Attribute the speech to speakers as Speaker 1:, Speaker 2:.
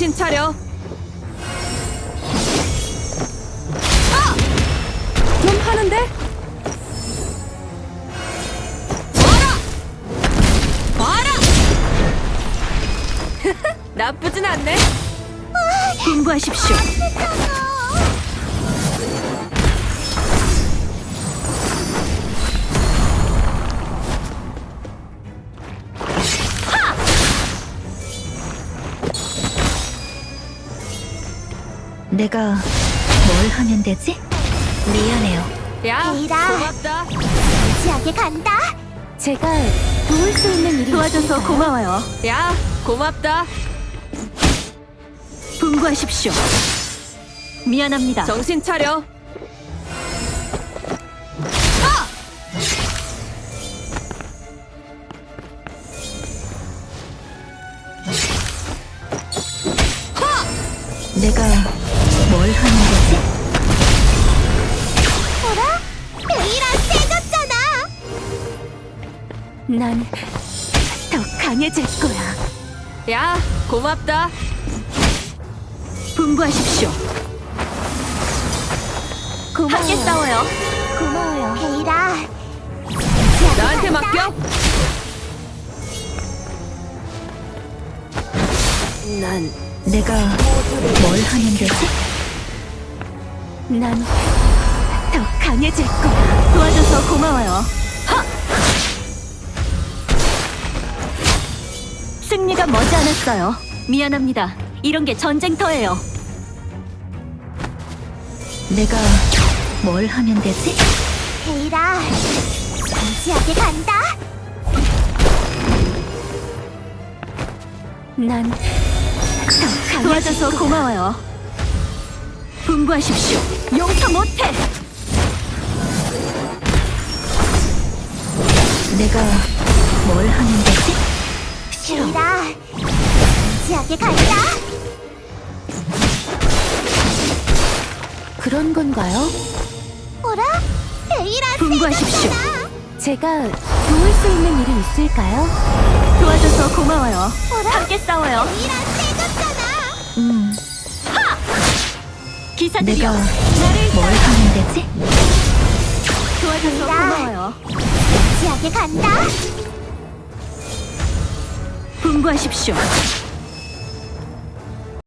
Speaker 1: 정신 차려. 좀 하는데? 봐라! 나쁘진 않네.
Speaker 2: 분부하십시오. 내가 뭘 하면 되지? 미안해요.
Speaker 1: 야,
Speaker 3: 에이라.
Speaker 1: 고맙다.
Speaker 3: 진지하게 간다.
Speaker 2: 제가 도울 수 있는 일이 도와줘서
Speaker 3: 있을까요?
Speaker 2: 고마워요.
Speaker 1: 야, 고맙다.
Speaker 2: 분부하십시오. 미안합니다.
Speaker 1: 정신 차려.
Speaker 2: 내가 뭘 하는 거지?
Speaker 3: 뭐라? 에이라 세졌잖아.
Speaker 2: 난 더 강해질 거야.
Speaker 1: 야, 고맙다.
Speaker 2: 분부하십시오. 함께 싸워요.
Speaker 3: 고마워요. 에이라. 진지하게
Speaker 1: 나한테
Speaker 3: 간다.
Speaker 1: 맡겨. 난
Speaker 2: 내가 뭘 하면 되지? 난 더 강해질 거야. 도와줘서 고마워요. 하! 승리가 머지않았어요. 미안합니다. 이런 게 전쟁터예요. 내가 뭘 하면 되지?
Speaker 3: 에이라. 진지하게 간다.
Speaker 2: 난 더 도와줘서 고마워요. 분부하십시오. 용서 못해. 내가 뭘 하면 되지? 싫어.
Speaker 3: 에이라. 진지하게 간다.
Speaker 2: 그런 건가요?
Speaker 3: 뭐라? 에이라
Speaker 2: 분부하십시오.
Speaker 3: 세졌잖아.
Speaker 2: 제가 도울 수 있는 일이 있을까요? 도와줘서 고마워요.
Speaker 3: 뭐라?
Speaker 2: 함께 싸워요.
Speaker 3: 에이라 세졌잖아.
Speaker 2: 기사들이여,
Speaker 3: 내가
Speaker 2: 나를 뭘 하면 되지? 도와줘서
Speaker 3: 에이라.
Speaker 2: 고마워요.
Speaker 3: 진지하게 간다.
Speaker 2: 분부하십시오.